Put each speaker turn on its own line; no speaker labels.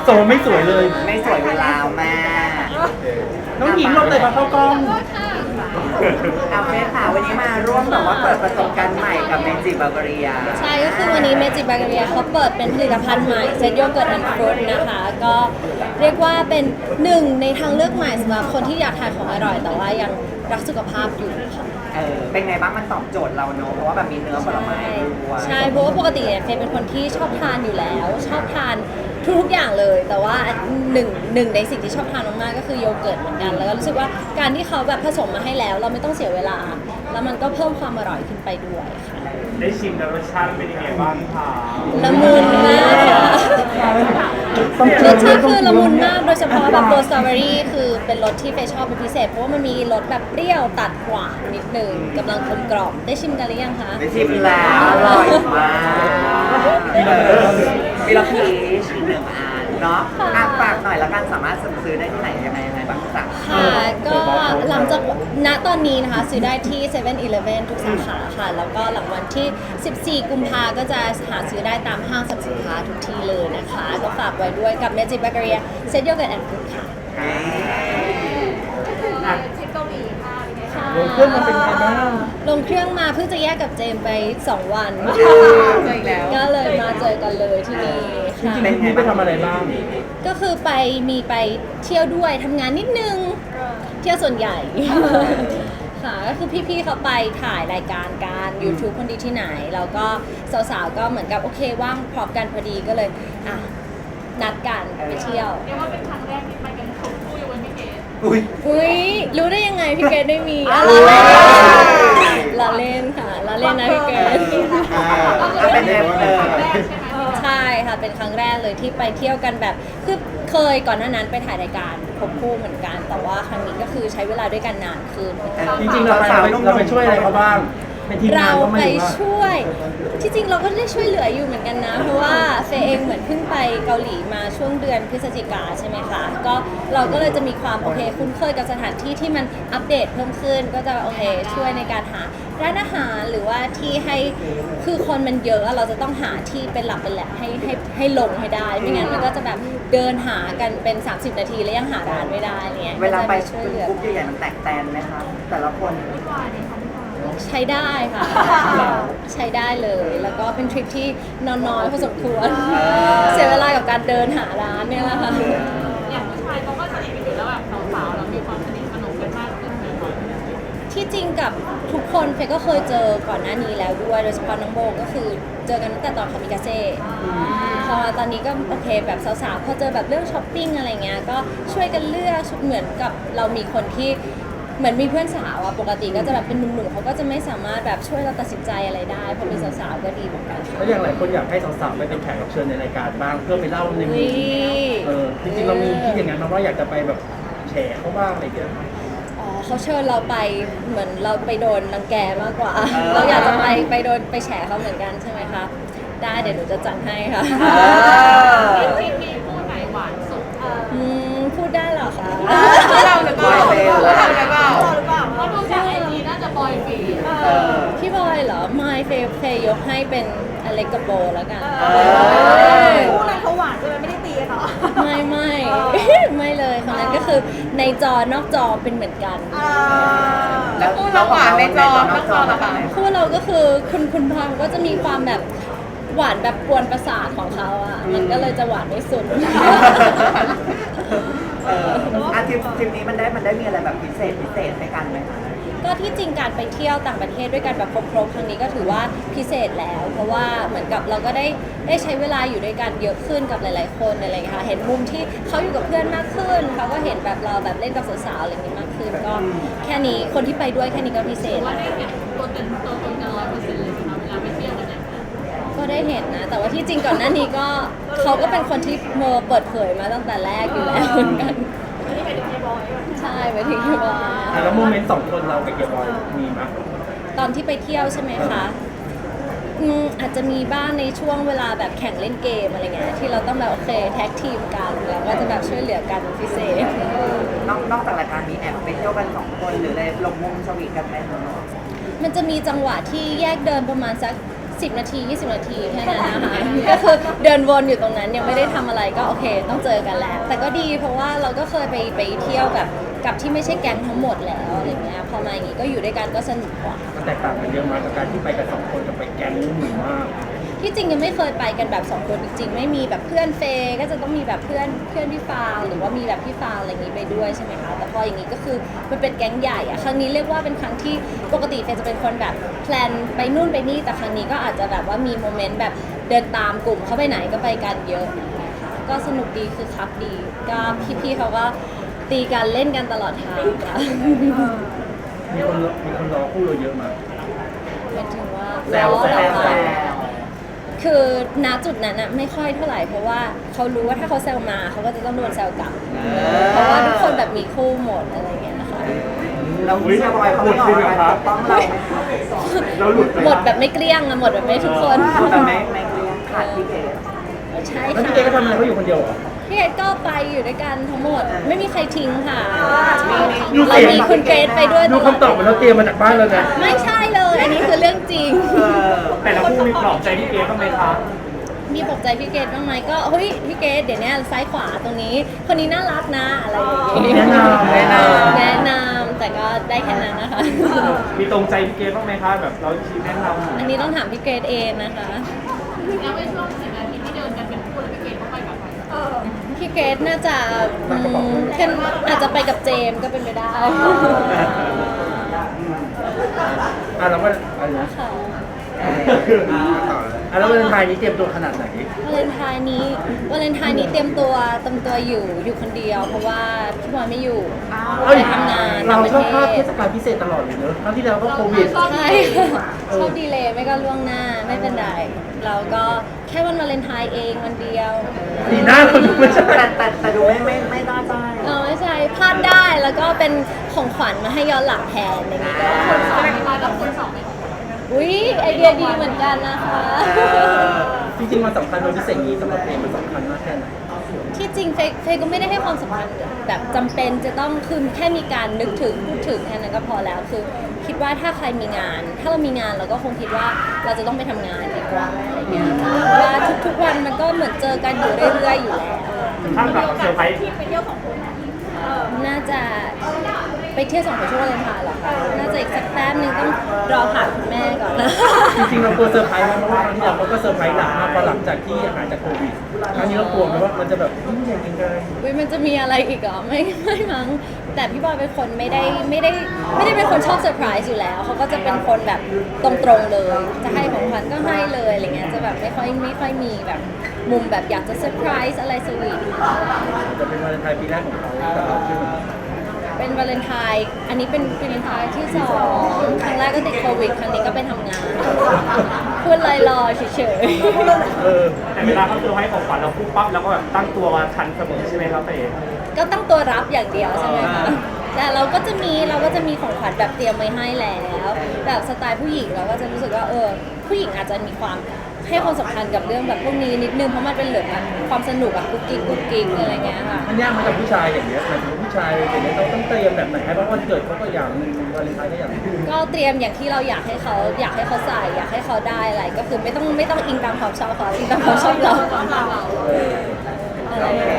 ทรงไม่สวยเลย
ไม่สวยเวลาแม่
น้องหญิงลงเลยมาเข้ากล้อง
เอาเฟสค่ะวันนี้มาร่วมแบบว่าเปิดประสบการณ์ใหม่กับเมจิบัลเกเรีย
ใช่ก็คือวันนี้เมจิบาเกเรียเขาเปิดเป็นผลิตภัณฑ์ใหม่เซตโยเกิร์ตแอนด์ฟรุตนะคะ ก็เรียกว่าเป็นหนึ่งในทางเลือกใหม่สำหรับคนที่อยากทานของอร่อย แต่ว่ายังรักสุขภาพอยู่ค่ะ
เป็นไงบ้างมันตอบโจทย์เราเนอะเพราะว่าแบบมีเนื้อผลไม้ด้วย
ใช่เพราะว่าปกติเนี่ยเฟยเป็นคนที่ชอบทานอยู่แล้ว ชอบทานทุกอย่างเลย แต่ว่าหนึ่งในสิ่งที่ชอบทานมากๆก็คือโยเกิร์ตเหมือนกัน แล้วก็รู้สึกว่าการที่เขาแบบผสมมาให้แล้ว เราไม่ต้องเสียเวลา แล้วมันก็เพิ่มความอร่อยขึ้นไปด้วยค่ะ
ได้ชิมแล้วรสชาติเป็นยังไงบ้างคะ
ละมุนมากค่ะรสชาติคือละมุนมาก โดยเฉพาะแบบตัวสตรอเบอรี่คือเป็นรสที่เฟยชอบเป็นพิเศษ เพราะว่ามันมีรสแบบเปรี้ยวตัดหวานนิดนึงกำลังกลมกล่อมได้ชิมกันหรือยังคะ
ได้ชิมแล้วอร่อยมากมีเราพีชอีกหนึ่งอันเนาะฝากหน่อยแล้วกันสามารถซื้อได้ที่ไหนยังไงบ้างจ๊ะ
ค่ะก็หลังจากณตอนนี้นะคะซื้อได้ที่7 e เ e ่ e อทุกสาขาค่ะ แล้วก็หลังวันที่ 14 กุมภาก็จะหาซื้อได้ตามห้างสรรพสินค้าทุกที่เลยนะคะ ก็ฝากไว้ด้วยกับ Magic Baccaria Set Yogurt and Fruit ค่ะ
ลงเครื่องมาเป็นไงบ้าง
ลงเครื่องมาเพิ่งจะแยกกับเจมส์ไป 2 วัน
เจออีกแล้ว
ก็เลยมาเจอกันเลยที่นี่
จริ
ค่ะ
งๆพี่ไปทำอะไรบ้าง
ก็คือมีไปเที่ยวด้วยทำงานนิดนึง เที่ยวส่วนใหญ่ ค่ะก็คือพี่ๆเขาไปถ่ายรายการการ YouTube คนดีที่ไหน แล้วก็สาวๆก็เหมือนกับโอเคว่างพร้อมกันพอดีก็เลยอ่ะนัดกันไปเที่ยว
เรียกว่าเป็นครั้งแรกที่ไปกันครบคู่อยู่บนพี่เกด
อุ้ย
อุ้ยรู้ได้ยังไงพี่เกดได้มี
อ้าว
ลาเล่นค่ะลาเล่นนะพี่เกด
เป็นเอฟเลย
แรกใช่ไหม
ใช่ค่ะเป็นครั้งแรกเลยที่ไปเที่ยวกันแบบคือเคยก่อนหน้านั้นไปถ่ายรายการควบคู่เหมือนกัน แต่ว่าครั้งนี้ก็คือใช้เวลาด้วยกันนานขึ้น
จริงๆเราไปช่วยอะไรเขาบ้างเป็นทีมงา
เรา
นก็
ไป
ไม่รู้ว่า
ช่วยที่จริงเราก็ได้ช่วยเหลืออยู่เหมือนกันนะ เพราะว่าเฟยเองเหมือนเพิ่งไปเกาหลีมาช่วงเดือนพฤศจิกาใช่ไหมคะก็เราก็เลยจะมีความโอเคคุ้นเคยกับสถานที่ที่มันอัปเดตเพิ่มขึ้น ก็จะโอเคช่วยในการหาร้านอาหารหรือว่าที่ให้คือคนมันเยอะเราจะต้องหาที่เป็นหลักเป็นแหล่งให้ลงให้ได้ไม่งั้นมันก็จะแบบเดินหากันเป็น 30 นาทีแล้วยังหาร้านไม่ได้เนี่ย
เวลาไป
ก็จะช่วยเหลือ
กรุ๊ปใหญ่ๆมันแตกแตนไหมคะแต่ละคน
ใช้ได้ค่ะ ใช้ได้เลย แล้วก็เป็นทริปที่นอนน้อยพอสมควร เสียเวลากับการเดินหาร้านเนี่ยแหละค่ะ
อย่างผู้ชายเขาก็สนิทกันอยู่แล้วแบบสาวๆเรามีความสนิทสนมกันมากขึ้นไหมคะ
ที่จริงกับทุกคนเฟยก็เคยเจอก่อนหน้านี้แล้วด้วย โดยเฉพาะน้องโบก็คือเจอกันตั้งแต่ตอนคามิกาเซ่พอตอนนี้ก็โอเคแบบสาวๆพอเจอแบบเรื่องช้อปปิ้งอะไรเงี้ยก็ช่วยกันเลือกเหมือนกับเรามีคนที่เหมือนมีเพื่อนสาวอะปกติก็จะแบบเป็นหนุ่มๆเขาก็จะไม่สามารถแบบช่วยเราตัดสินใจอะไรได้พอมีสาวๆก็ดีเหมือนกันค่ะ
แล้วอย่างหลายคนอยากให้สาวๆไปเป็นแขกรับเชิญในรายการบ้างเพื่อไปเล่าในมุมจริงๆเรามีคิดอย่างนั้นมาว่าอยากจะไปแบบแฉเขาบ้างอะไรอย่างเงี้ย
อ๋อเขาเชิญเราไปเหมือนเราไปโดนรังแกมากกว่า เราอยากจะไปโดนไปแฉเขาเหมือนกันใช่ไหมคะได้เดี๋ยวหนูจะจัดให้ค่ะ
ทีมมีคู่ไหนหวานสุด
พูดได้เหรอคะ
เราหรือเปล่า
บอยเฟย์
เราหรือเปล่าเพราะดูจากไอจีน่าจะบอยฟี
พี่บอยเหรอไม่เฟยยกให้เป็นอเล็กกับโบแล้วกัน
คู่นั้นเขาหวานเลยไม่ได้ตีเนาะ
ไม่ไม่เลยคนนั้นก็คือในจอนอกจอเป็นเหมือนกัน
แล้ว
คู่เราหวานในจอนอกจอเหรอคะ
คู่เราก็คือคุณพามก็จะมีความแบบหวานแบบกวนประสาทของเขาอ่ะมันก็เลยจะหวานไม่สุด
ทริปนี้มันได้มีอะไรแบบพิเศษให้กันไหมคะ
ก็ที่จริงการไปเที่ยวต่างประเทศด้วยกันแบบครบๆครั้งนี้ก็ถือว่าพิเศษแล้ว เพราะว่าเหมือนกับเราก็ได้ใช้เวลาอยู่ด้วยกันเยอะขึ้นกับหลายๆคนอะไรอย่างเงี้ยค่ะเห็นมุมที่เขาอยู่กับเพื่อนมากขึ้นเขาก็เห็นแบบเราแบบเล่นกับสาวๆอะไรอย่างงี้มากขึ้นก็แค่นี้คนที่ไปด้วยแค่นี้ก็พิเศษ
ว่า
แล้ว
ได้เห็นตัวตนกัน100%เลยนะคะเวลาไปเที่ยวกันเนี่ย
ก็ได้เห็นนะ แต่ว่าที่จริงก่อนหน้านี้ก็เขาก็เป็นคนที่เปิดเผยมาตั้งแต่แรกอยู่แล้วเหมือนกันใช่ไปถึงที่บอย
แล้วโมเมนต์สองคนเรากับเกียร์บอยมีมั้ย
ตอนที่ไปเที่ยวใช่ไหมคะอาจจะมีบ้างในช่วงเวลาแบบแข่งเล่นเกมอะไรเงี้ยที่เราต้องแบบโอเคแท็กทีมกันแล้วก็จะแบบช่วยเหลือกันเป็นพิเศษ
นอกจากรายการมีแอบไปเที่ยวกัน2 คนหรืออะไรลงมุมสวีทกันไหมคะ
มันจะมีจังหวะที่แยกเดินประมาณสัก 10 นาที 20 นาทีแค่นั้นนะคะ ก็คือเดินวนอยู่ตรงนั้นยังไม่ได้ทำอะไรก็โอเคต้องเจอกันแล้ว แต่ก็ดีเพราะว่าเราก็เคยไปเที่ยวกับที่ไม่ใช่แก๊งทั้งหมดแล้วอะไรเงี้ยพอมาอย่างงี้ก็อยู่ด้วยกันก็สนุกกว่า
มันแตกต่างกันเยอะมากกับการที่ไปกันสองคนกับไปแก๊งหมู่มาก
ที่จริงยังไม่เคยไปกันแบบ2คนจริงๆไม่มีแบบเพื่อนเฟย์ก็จะต้องมีแบบเพื่อนพี่ฟางหรือว่ามีแบบพี่ฟางอะไรอย่างงี้ไปด้วยใช่ไหมคะแต่พออย่างงี้ก็คือมันเป็นแก๊งใหญ่อะครั้งนี้เรียกว่าเป็นครั้งที่ปกติเฟย์จะเป็นคนแบบแพลนไปนู่นไปนี่แต่ครั้งนี้ก็อาจจะแบบว่ามีโมเมนต์แบบเดินตามกลุ่มเขาไปไหนก็ไปกันเยอะนะคะก็สนุกดีคือคักดีก็พี่ๆเขาก็ตีกันเล่นกันตลอดทางค่ะ
มีคนรอคู่เราเยอะมาก
หมายถึงว่า
แซว
ล้อเรา
แซ
อะ
ว
คือณจุดนั้นอะไม่ค่อยเท่าไหร่เพราะว่าเขารู้ว่าถ้าเขาแซวมาเขาก็จะต้องโดนแซวกลับ เพราะว่าทุกคนแบบมีคู่หมดอะไรอย่างเงี้ยนะคะ
เราเชื่อว่าเขาไม่ออกมาปกป้องเรา
เราหลุดไป
หมดแบบไม่เกลี้ยงอะหมดแบบไม่ทุกคน
แบบไม่เกลียดขาดพี่เกด
ใช่
แล้ว
ค่ะ
พี่เต้ก็ทำอะไรเขาอยู่คนเดียวเหรอ
พี่เกดก็ไปอยู่ด้วยกันทั้งหมด ไม่มีใครทิ้งค่ะ
ดู
เรา
เสียง
มีคุณเกรดไปด้วย
ดูคำตอบเหมือนเราเตรียมมาจากบ้านแล้วนะ
ไม่ใช่เลย อันนี้คือเรื่องจริง
แต่ละคู่มีปลอบใจพี่เกบ้างไหมคะ
มีปลอบใจพี่เกดบ้างไหมก็เฮ้ยพี่เกดเดี๋ยวนี้ซ้ายขวาตรงนี้ คนนี้น่ารักนะอะไรอย่างงี้
แนะนำ
แนะนำแต่ก็ได้แค่นั้นนะคะ
มีตรงใจพี่เกบ้างไหมคะแบบเราชี้แนะนำ
อันนี้ต้องถามพี่เกดเองนะคะ
แล้วในช่วง10 นาทีที่เดินกันเป็นคู่แล้วพี่เกดก็ไปกับใคร
พี่เกดน่าจะขึ้นอาจจะไปกับเจมส์ก็เป็นไปได้
อ่ะเราก็อะไรนะ
ค่ะ
อ่ะแล้ววันไทายนี้เตรียมตัวขนาดไหน
วาเลนไทน์นี้เตรียมตัวอยู่คนเดียว เพราะว่าพี่บอยไม่อยู่
เอ้ย
ไปทำงาน
เรา
ต่างประ
ชอบพลาดเท
เทศ
ศกาลพิเศษตลอดเลยเนอะครั้งที่แล้วก็โควิด
ใช่ชอบดีเลยไม่ก็ล่วงหน้าไม่เป็นไรเราก็แค่วันวาเลนไทน์เองวันเดียว
สีหน้าคนดูไม่ใช่
แต่ดูไม่ได้ใจ
ไม่ใช่พลาดได้แล้วก็เป็นของขวัญมาให้ย้อนหลังแทนอย่างนี้ก็ได้
คนสองไม่มาแล้วคนสองไม่ของ
อุ้ยไอเดียดีเหมือนกันนะคะ
จริงๆมันสำคัญวันพิเศษนี้สำหรับเองมันสำคัญมากแค่ไหน
ที่จริงเฟยก็ไม่ได้ให้ความสำคัญแบบจำเป็นจะต้องคือแค่มีการนึกถึงพูดถึงแค่นั้นก็พอแล้วคือคิดว่าถ้าใครมีงาน ถ้าเรามีงานเราก็คงคิดว่าเราจะต้องไปทำงานดีกว่าอะไรเงี้ยเพราะว่าทุกๆวันมันก็เหมือนเจอกันอยู่เรื่อยๆอยู่แล้ว
ข้างกับเซอร์ไพรส์
ไปเที่ยวของคนนะ
น่าจะไปเที่ยวสองคนช่วงวาเลนไทน์เหรอคะน่าจะอีกสักแป๊บนึงต้องรอผ่านคุณแม่ก่อนนะ
จริงๆเรากลัวเซอร์ไพรส์ไหมเพราะว่าครั้งที่แล้วเขาก็เซอร์ไพรส์หนักมากพอหลังจากที่หายจากโควิดครั้งนี้เรากลัวไหมว่ามันจะแบบยิ่งใหญ่ยังไง
อุ๊ยมันจะมีอะไรอีกเหรอไม่มั้งแต่พี่บอยเป็นคนไม่ได้เป็นคนชอบเซอร์ไพรส์อยู่แล้วเขาก็จะเป็นคนแบบตรงๆเลย จะให้ของขวัญก็ให้เลยอะไรเงี้ยจะแบบไม่ค่อยมีแบบมุมแบบอยากจะเซอร์ไพรส์อะไรสวีท
จะเป็นวาเลนไทน์ปีแรกของเขาแต่เราใช่ไหม
เป็นวาเลนไทน์อันนี้เป็นวาเลนไทน์ที่2ครั้งแรกก็ติดโควิดครั้งนี้ก็ไปทำงานพูดลอยๆเฉยๆ
เออ
แต่เวลาเขาเซอร์ไพรส์ของขวัญเราปุ๊บปั๊บแล้วก็แบบตั้งตัวทันเสมอใช่ไหมครับเต๋
ก็ตั้งตัวรับอย่างเดียวใช่ไหมคะ แต่เราก็จะมีของขวัญแบบเตรียมไว้ให้แล้วแบบสไตล์ผู้หญิงเราก็จะรู้สึกว่าผู้หญิงอาจจะมีความให้ความสำคัญกับเรื่องแบบพวกนี้นิดนึงเพราะมันเป็นเหลือแบบความสนุกอะกุ๊กกิ๊กอะไรเงี้ยค่ะ
มันยากมาจากผู้ชายอย่างเงี้ยหมายถึงผู้ชายอย่างเงี้ยเราต้องเตรียมแบบไหนให้เพราะวันเกิดเขาก็อย่างหนึงวาเลนไทน์ก็อย่างหนึง
ก็เตรียมอย่างที่เราอยากให้เขาใส่อยากให้เขาได้อะไรก็คือไม่ต้องอิงตามความชอบเขาอิงตามความชอบเราอะไรอย่างเงี้ย